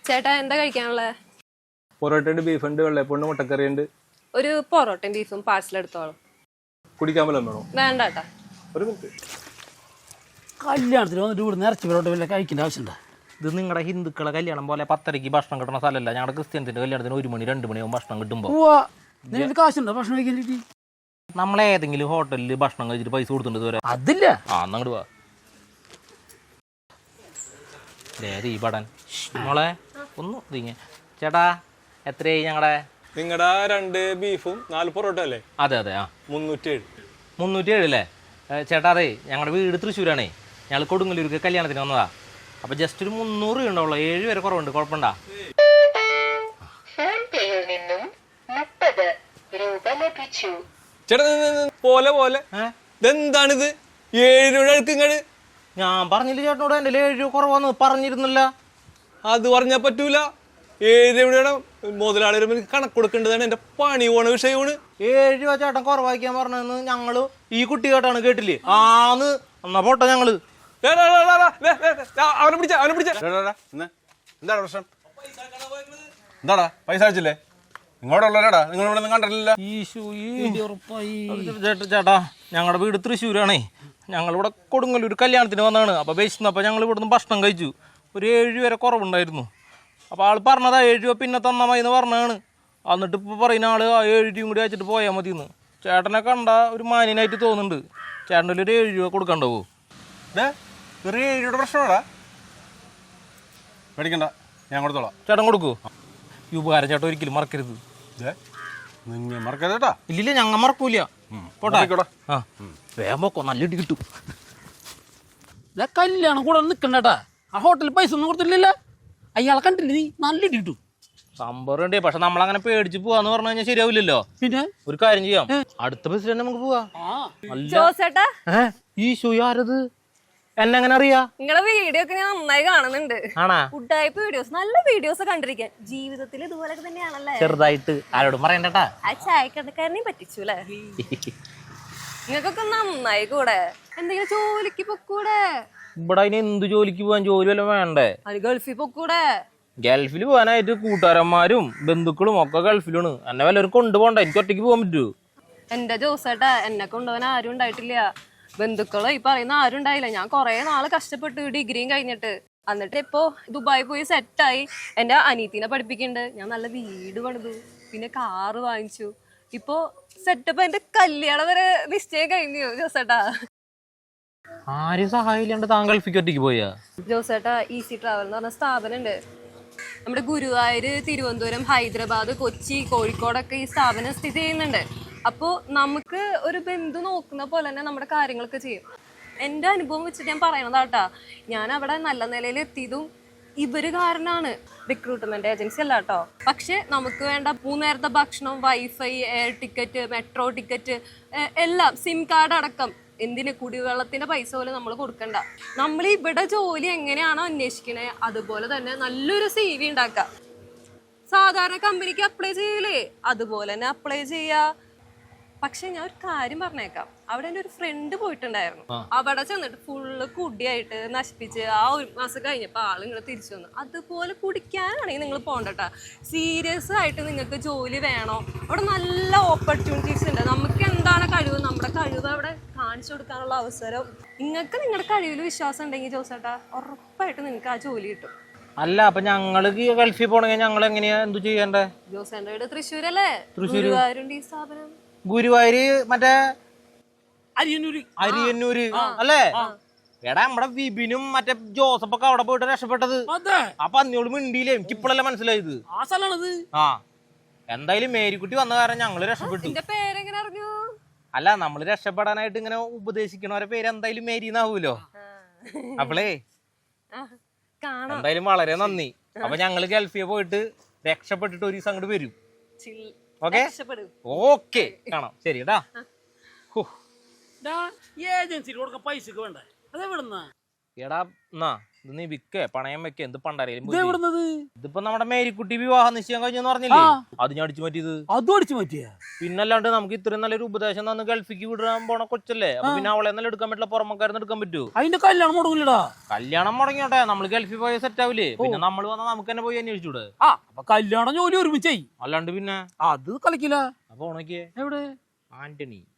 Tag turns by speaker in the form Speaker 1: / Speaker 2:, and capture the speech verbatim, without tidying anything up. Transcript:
Speaker 1: ചേട്ടാ എന്താ കഴിക്കാനുള്ളത്?
Speaker 2: പൊറോട്ടയുണ്ട്, ബീഫുണ്ട്, വെള്ളയപ്പമുണ്ട്, മുട്ടക്കറിയുണ്ട്.
Speaker 1: ഒരു പൊറോട്ടയും ബീഫും പാഴ്സൽ എടുത്തോളൂ.
Speaker 2: കുടിക്കാൻ വല്ലതും വേണോ?
Speaker 1: വേണ്ട കേട്ടാ.
Speaker 2: ഒരു മിനിറ്റ്.
Speaker 3: കല്യാണത്തിന് വന്നിട്ട് ഇവിടെ നിറച്ച് പൊറോട്ട വല്ല കഴിക്കേണ്ട ആവശ്യമുണ്ടോ?
Speaker 4: ഇത് നിങ്ങളുടെ ഹിന്ദുക്കളെ കല്യാണം പോലെ പത്തരയ്ക്ക് ഭക്ഷണം കിട്ടുന്ന സ്ഥലമല്ല. ഞങ്ങളുടെ ക്രിസ്ത്യൻസിന്റെ കല്യാണത്തിന് ഒരു മണി രണ്ട് മണിയാവും ഭക്ഷണം കിട്ടുമ്പോൾ.
Speaker 3: നിങ്ങൾക്ക് കാശുണ്ടോ ഭക്ഷണം കഴിക്കാൻ?
Speaker 4: നമ്മളേതെങ്കിലും ഹോട്ടലിൽ ഭക്ഷണം കഴിച്ചിട്ട് പൈസ കൊടുത്തിട്ടുണ്ട് ഇതുവരെ.
Speaker 3: അതില്ല.
Speaker 4: ആ എന്നങ്ങോട്ട് പോവാ. ഈ പടൻ മോളെ ഒന്ന് തിങ്ങ. ചേട്ടാ എത്രയായി ഞങ്ങളുടെ?
Speaker 2: നിങ്ങളുടെ രണ്ട് ബീഫും നാല് പൊറോട്ട അല്ലേ?
Speaker 4: അതെ അതെ. ആ
Speaker 2: മുന്നൂറ്റി ഏഴ്.
Speaker 4: മുന്നൂറ്റി ഏഴ് അല്ലേ? ചേട്ടാ അതെ, ഞങ്ങളുടെ വീട് തൃശ്ശൂരാണേ. ഞങ്ങൾ കൊടുങ്ങല്ലൂർക്ക് കല്യാണത്തിന് വന്നതാ. അപ്പൊ ജസ്റ്റ് ഒരു മുന്നൂറ് രൂപ ഉണ്ടാവുള്ളൂ. ഏഴ് വരെ കുറവുണ്ട്. കുഴപ്പമുണ്ടാ?
Speaker 2: ചേട്ടാ പോലെ പോലെ ഇതെന്താണിത്? ഏഴ് രൂപ അടുക്കിങ്ങട്.
Speaker 4: ഞാൻ പറഞ്ഞില്ല ചേട്ടനോട് എൻ്റെ ഏഴ് രൂപ കുറവാന്ന് പറഞ്ഞിരുന്നില്ല.
Speaker 2: അത് പറഞ്ഞാൽ പറ്റൂല. ഏഴ് രൂപയുടെ മുതലാളി കണക്ക് കൊടുക്കേണ്ടതാണ്. എന്റെ പണി പോണ വിഷയമാണ്.
Speaker 4: ഏഴ് രൂപ ചേട്ടൻ കുറവാക്കിയാൻ പറഞ്ഞതെന്ന് ഞങ്ങള് ഈ കുട്ടി കേട്ടാണ് കേട്ടില്ലേ? ആന്ന് എന്നാ പോട്ടെ ഞങ്ങള്.
Speaker 2: അവനെ പിടിച്ച അവനെ പിടിച്ച
Speaker 5: എന്താണ് പ്രശ്നം? എന്താടാ പൈസ അയച്ചില്ലേ? ഇങ്ങോട്ടുള്ളവരാടാ, നിങ്ങൾ ഇവിടെ ഒന്നും കണ്ടിട്ടില്ല.
Speaker 4: ചേട്ടാ ഞങ്ങളുടെ വീട് തൃശ്ശൂരാണേ. ഞങ്ങളിവിടെ കൊടുങ്ങല്ലൂർ കല്യാണത്തിന് വന്നതാണ്. അപ്പോൾ വിശന്നപ്പോൾ ഞങ്ങൾ ഇവിടുന്ന് ഭക്ഷണം കഴിച്ചു. ഒരു ഏഴ് രൂപ വരെ കുറവുണ്ടായിരുന്നു. അപ്പോൾ ആൾ പറഞ്ഞതാ ഏഴ് രൂപ പിന്നെ തന്നാൽ മതി എന്ന് പറഞ്ഞതാണ്. എന്നിട്ട് ഇപ്പോൾ പറയുന്ന ആൾ ആ ഏഴ് രൂപയും കൂടി അയച്ചിട്ട് പോയാൽ മതി എന്ന്. ചേട്ടനെ കണ്ട ഒരു മാന്യനായിട്ട് തോന്നുന്നുണ്ട്. ചേട്ടൻ്റെ ഒരു ഏഴ് രൂപ കൊടുക്കണ്ടാവോ?
Speaker 5: ചെറിയ ഏഴ് രൂപയുടെ പ്രശ്നമാടാ. മേടിക്കണ്ട, ഞാൻ കൊടുത്തോളാം.
Speaker 4: ചേട്ടൻ കൊടുക്കൂ. ഈ ഉപകാരം ചേട്ടൻ ഒരിക്കലും മറക്കരുത്.
Speaker 5: നിങ്ങൾ മറക്കരുതേട്ടാ.
Speaker 4: ഇല്ലില്ല, ഞങ്ങൾ മറക്കൂല. പോട്ടെ. ആ വേഗം പോക്കോ, നല്ല ഇടി കിട്ടും.
Speaker 3: കല്യാണം കൂടെ നിൽക്കണ്ടേട്ടാ. ആ ഹോട്ടലിൽ പൈസ ഒന്നും കൊടുത്തില്ല. അയാളെ കണ്ടില്ല നീ? നല്ല ഇടി കിട്ടും.
Speaker 4: സംഭവം ഉണ്ട്. പക്ഷെ നമ്മളങ്ങനെ പേടിച്ച് പോവാന്ന് പറഞ്ഞു കഴിഞ്ഞാൽ ശരിയാവില്ലല്ലോ.
Speaker 3: പിന്നെ ഒരു
Speaker 4: കാര്യം ചെയ്യാം, അടുത്ത ബസ്സിൽ തന്നെ നമുക്ക് പോവാ.
Speaker 1: ജോസേട്ടാ
Speaker 4: ഈ ഷൂ ആരത്? എന്നെ എങ്ങനെ അറിയാ?
Speaker 1: നിങ്ങളെ വീഡിയോ ഒക്കെ ഞാൻ നന്നായി കാണുന്നുണ്ട്.
Speaker 4: ആണാ?
Speaker 1: ഫുഡായ്പ വീഡിയോസ്, നല്ല വീഡിയോസ് കണ്ടിരിക്കാൻ. ജീവിതത്തിൽ ഇതുപോലൊക്കെ തന്നെയാണല്ലേ?
Speaker 4: ചെറുതായിട്ട്. ആരോടും പറയണ്ടട്ടാ.
Speaker 1: ആ ചായക്കടക്കാരനെയും പറ്റിച്ചു അല്ലേ? നിങ്ങൾക്കൊക്കെ നന്നായി കൂടെ. എന്തെങ്കിലും ജോലിക്ക് പൊക്കൂടെ?
Speaker 4: ഇവിടെ അതിന് എന്ത് ജോലിക്ക് പോവാൻ? ജോലി വല്ലതും വേണ്ടേ?
Speaker 1: അത് ഗൾഫിൽ പൊക്കൂടെ?
Speaker 4: ഗൾഫിൽ പോകാനായിട്ട് കൂട്ടുകാരന്മാരും ബന്ധുക്കളും ഒക്കെ ഗൾഫിലാണ്. എന്നെ വല്ലവരും കൊണ്ടുപോകണ്ട. എനിക്ക് ഒറ്റയ്ക്ക് പോകാൻ പറ്റൂ?
Speaker 1: എന്റെ ജോസേട്ടാ, എന്നെ കൊണ്ടുപോകാൻ ആരും ഉണ്ടായിട്ടില്ല. ബന്ധുക്കളോ ഈ പറയുന്ന ആരും ഉണ്ടായില്ല. ഞാൻ കുറെ നാള് കഷ്ടപ്പെട്ട് ഡിഗ്രിയും കഴിഞ്ഞിട്ട് എന്നിട്ട് ഇപ്പോ ദുബായി പോയി സെറ്റായി. എന്റെ അനീത്തിനെ പഠിപ്പിക്കുന്നുണ്ട്. ഞാൻ നല്ല വീട് പണിതു, പിന്നെ കാറ് വാങ്ങിച്ചു. ഇപ്പൊ സെറ്റപ്പ്. എന്റെ കല്യാണം വരെ നിശ്ചയം കഴിഞ്ഞു ജോസേട്ടാ.
Speaker 4: ആരും സഹായില്ലാണ്ട് താൻ ഗൾഫിക്ക് ഒറ്റയ്ക്ക് പോയാ?
Speaker 1: ജോസേട്ടാ, ഈസി ട്രാവൽ എന്ന് പറഞ്ഞ സ്ഥാപനം ഉണ്ട് നമ്മുടെ ഗുരുവായൂര്, തിരുവനന്തപുരം, ഹൈദരാബാദ്, കൊച്ചി, കോഴിക്കോടൊക്കെ ഈ സ്ഥാപനം സ്ഥിതി ചെയ്യുന്നുണ്ട്. അപ്പോൾ നമുക്ക് ഒരു ബന്ധു നോക്കുന്ന പോലെ തന്നെ നമ്മുടെ കാര്യങ്ങളൊക്കെ ചെയ്യും. എൻ്റെ അനുഭവം വെച്ചിട്ട് ഞാൻ പറയണതാട്ടാ. ഞാൻ അവിടെ നല്ല നിലയിൽ എത്തിയതും ഇവര് കാരണമാണ്. റിക്രൂട്ട്മെന്റ് ഏജൻസി അല്ല കേട്ടോ. പക്ഷെ നമുക്ക് വേണ്ട മൂന്നേരത്തെ ഭക്ഷണം, wifi, air ticket, metro ticket എല്ലാം, സിം കാർഡ് അടക്കം. എന്തിന്? കുടിവെള്ളത്തിന്റെ പൈസ പോലും നമ്മൾ കൊടുക്കണ്ട. നമ്മൾ ഇവിടെ ജോലി എങ്ങനെയാണോ അന്വേഷിക്കണേ അതുപോലെ തന്നെ നല്ലൊരു സി വി ഉണ്ടാക്കാം. സാധാരണ കമ്പനിക്ക് അപ്ലൈ ചെയ്യൂലേ, അതുപോലെ തന്നെ അപ്ലൈ ചെയ്യാ. പക്ഷെ ഞാൻ ഒരു കാര്യം പറഞ്ഞേക്കാം. അവിടെ എൻ്റെ ഒരു ഫ്രണ്ട് പോയിട്ടുണ്ടായിരുന്നു. അവിടെ ചെന്നിട്ട് ഫുള്ള് കുടിയായിട്ട് നശിപ്പിച്ച് ആ ഒരു മാസം കഴിഞ്ഞപ്പോൾ ആൾ ഇങ്ങനെ തിരിച്ചു വന്നു. അതുപോലെ കുടിക്കാനാണെങ്കിൽ നിങ്ങൾ പോകണ്ടട്ടാ. സീരിയസ് ആയിട്ട് നിങ്ങൾക്ക് ജോലി വേണോ? അവിടെ നല്ല ഓപ്പർച്യൂണിറ്റീസ് ഉണ്ട്. നമുക്ക് എന്താണ് കഴിവ്, നമ്മുടെ കഴിവ് അവിടെ കാണിച്ചു കൊടുക്കാനുള്ള അവസരം. നിങ്ങൾക്ക് നിങ്ങളുടെ കഴിവിൽ വിശ്വാസം ഉണ്ടെങ്കിൽ ജോസേട്ടാ, ഉറപ്പായിട്ട് നിങ്ങൾക്ക് ആ ജോലി കിട്ടും.
Speaker 4: അല്ല, അപ്പൊ ഞങ്ങള് ഗൾഫിൽ പോണെങ്കിൽ ഞങ്ങൾ എങ്ങനെയാ എന്തു ചെയ്യണ്ടേ?
Speaker 1: ജോസേന്റെ വീട് തൃശ്ശൂരല്ലേ? ഗുരുവായൂരുണ്ട് ഈ സ്ഥാപനം.
Speaker 4: ഗുരുവായൂര് മറ്റേ
Speaker 3: അരിയന്നൂര്.
Speaker 4: അരിയന്നൂര് അല്ലേ? എടാ നമ്മുടെ വിപിനും മറ്റേ ജോസഫൊക്കെ അവിടെ പോയിട്ട് രക്ഷപ്പെട്ടത്. അപ്പൊ അന്നോട് മിണ്ടിയില്ലേ? എനിക്ക് ഇപ്പോഴല്ലേ മനസ്സിലായത്.
Speaker 3: ആ സ്ഥലമാണത്.
Speaker 4: ആ എന്തായാലും മേരിക്കുട്ടി വന്ന കാരണം ഞങ്ങള് രക്ഷപ്പെട്ടു.
Speaker 1: പേരെങ്ങനെ അറിഞ്ഞു?
Speaker 4: അല്ല, നമ്മള് രക്ഷപ്പെടാനായിട്ട് ഇങ്ങനെ ഉപദേശിക്കണവരെ പേര് എന്തായാലും മേരി എന്നാവൂലോ. അപ്പളേ എന്തായാലും വളരെ നന്ദി. അപ്പൊ ഞങ്ങള് ഗൾഫിൽ പോയിട്ട് രക്ഷപ്പെട്ടിട്ട് ഒരു ദിവസം അങ്ങോട്ട് വരും. ഓക്കെ ഓക്കെ കാണാം. ശരി ടാ.
Speaker 3: ഏജൻസിയിൽ കൊടുക്കാൻ പൈസക്ക് വേണ്ടേ? അതെവിടുന്നാ?
Speaker 4: എടാ എന്നാ ഇത് നീ വിക്കേ പണയം വെക്കേ എന്ത് പണ്ടാരേലും
Speaker 3: ഇത് എവിടുന്നത്?
Speaker 4: ഇതിപ്പോ നമ്മുടെ മേരിക്കുട്ടി വിവാഹ നിശ്ചയം കഴിഞ്ഞെന്ന് പറഞ്ഞില്ലേ, അത് ഞാൻ അടിച്ചു മാറ്റിയത്.
Speaker 3: അതും അടിച്ചു മാറ്റിയ?
Speaker 4: പിന്നല്ലാണ്ട് നമുക്ക് ഇത്രയും നല്ലൊരു ഉപദേശം തന്ന് ഗൾഫിക്ക് വിടാൻ പോണ കൊച്ചല്ലേ, അപ്പൊ പിന്നെ അവളെ നല്ല എടുക്കാൻ പറ്റില്ല, പുറമക്കാരെന്ന് എടുക്കാൻ പറ്റൂ?
Speaker 3: അതിന്റെ കല്യാണം മുടങ്ങില്ലടാ.
Speaker 4: കല്യാണം മുടങ്ങിയോട്ടെ, നമ്മള് ഗൾഫിൽ പോയ സെറ്റ് ആവില്ലേ, പിന്നെ നമ്മൾ വന്നാൽ നമുക്ക് തന്നെ പോയി അന്വേഷിച്ചൂടെ?
Speaker 3: ആ അപ്പൊ കല്യാണം ജോലി ഒരുമിച്ചായി.
Speaker 4: അല്ലാണ്ട് പിന്നെ
Speaker 3: അത് കളിക്കില്ല.
Speaker 4: അപ്പൊ ഉണക്കിയേ
Speaker 3: എവിടെ
Speaker 4: ആന്റണി